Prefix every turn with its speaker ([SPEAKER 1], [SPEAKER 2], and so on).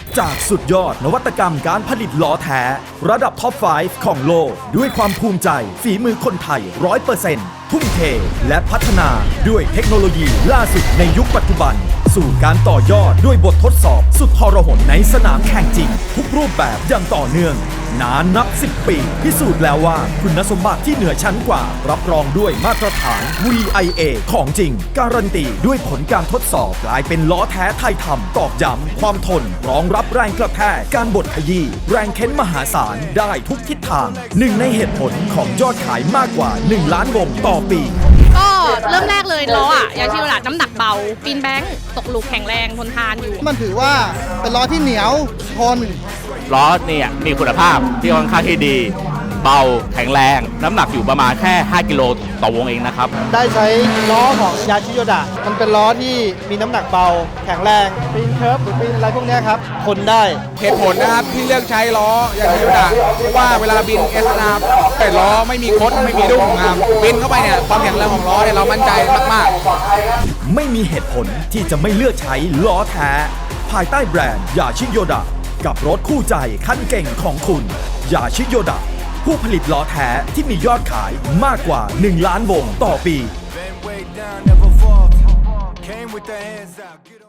[SPEAKER 1] จากสุดยอดนวัตกรรมการผลิตล้อแท้ ระดับท็อป 5 ของโลก ด้วยความภูมิใจฝีมือคนไทย 100%ทุ่มเทและพัฒนาด้วยเทคโนโลยีล่าสุดในยุคปัจจุบัน สู่การต่อยอดด้วยบททดสอบสุดทรหดในสนามแข่งจริง ทุกรูปแบบอย่างต่อเนื่อง นานนับ 10 ปี พิสูจน์แล้วว่าคุณสมบัติที่เหนือชั้นกว่า รับรองด้วยมาตรฐาน VIA ของจริง การันตีด้วยผลการทดสอบกลายเป็นล้อแท้ไทยทำตอกย้ำความทนรองรับแรงกระแทกการบดขยี้แรงเค้นมหาศาลได้ทุกทิศทางหนึ่งในเหตุผลของยอดขายมากกว่า 1 ล้านวงต่อปี
[SPEAKER 2] ก็เริ่มแรกเลยล้ออ่ะอย่างที่เวลาน้ำหนักเบาปีนแบงค์ตกหลุมแข็งแรงทนทานอยู่
[SPEAKER 3] มันถือว่าเป็นล้อที่เหนียวทน
[SPEAKER 4] ล้อเนี่ยมีคุณภาพที่ค่อนข้างที่ดี เบาแข็งแรง น้ำหนักอยู่ประมาณแค่ 5 กิโลต่อวงเองนะครับ
[SPEAKER 3] ได้ใช้ล้อของยาชิโยดะมันเป็นล้อที่มีน้ำหนักเบา แข็งแรงปีนเคิร์ฟหรือปีนอะไรพวกเนี้ยครับทนได้
[SPEAKER 5] เหตุผลนะครับที่เลือกใช้ล้อยางชิโยดะเพราะว่าเวลาบินเอสนาแต่ล้อไม่มีคดไม่มีดุ้งครับบินเข้าไปเนี่ยความแข็งแรงของล้อเนี่ยเรามั่นใจมากๆ
[SPEAKER 1] ไม่มีเหตุผลที่จะไม่เลือกใช้ล้อแท้ ภายใต้แบรนด์ยาชิโยดะกับรถคู่ใจคันเก่งของคุณยาชิโยดะผู้ผลิตล้อแท้ที่มียอดขายมากกว่า 1 ล้านวงต่อปี
[SPEAKER 6] Been way down, never fall. Came with the hands out. Get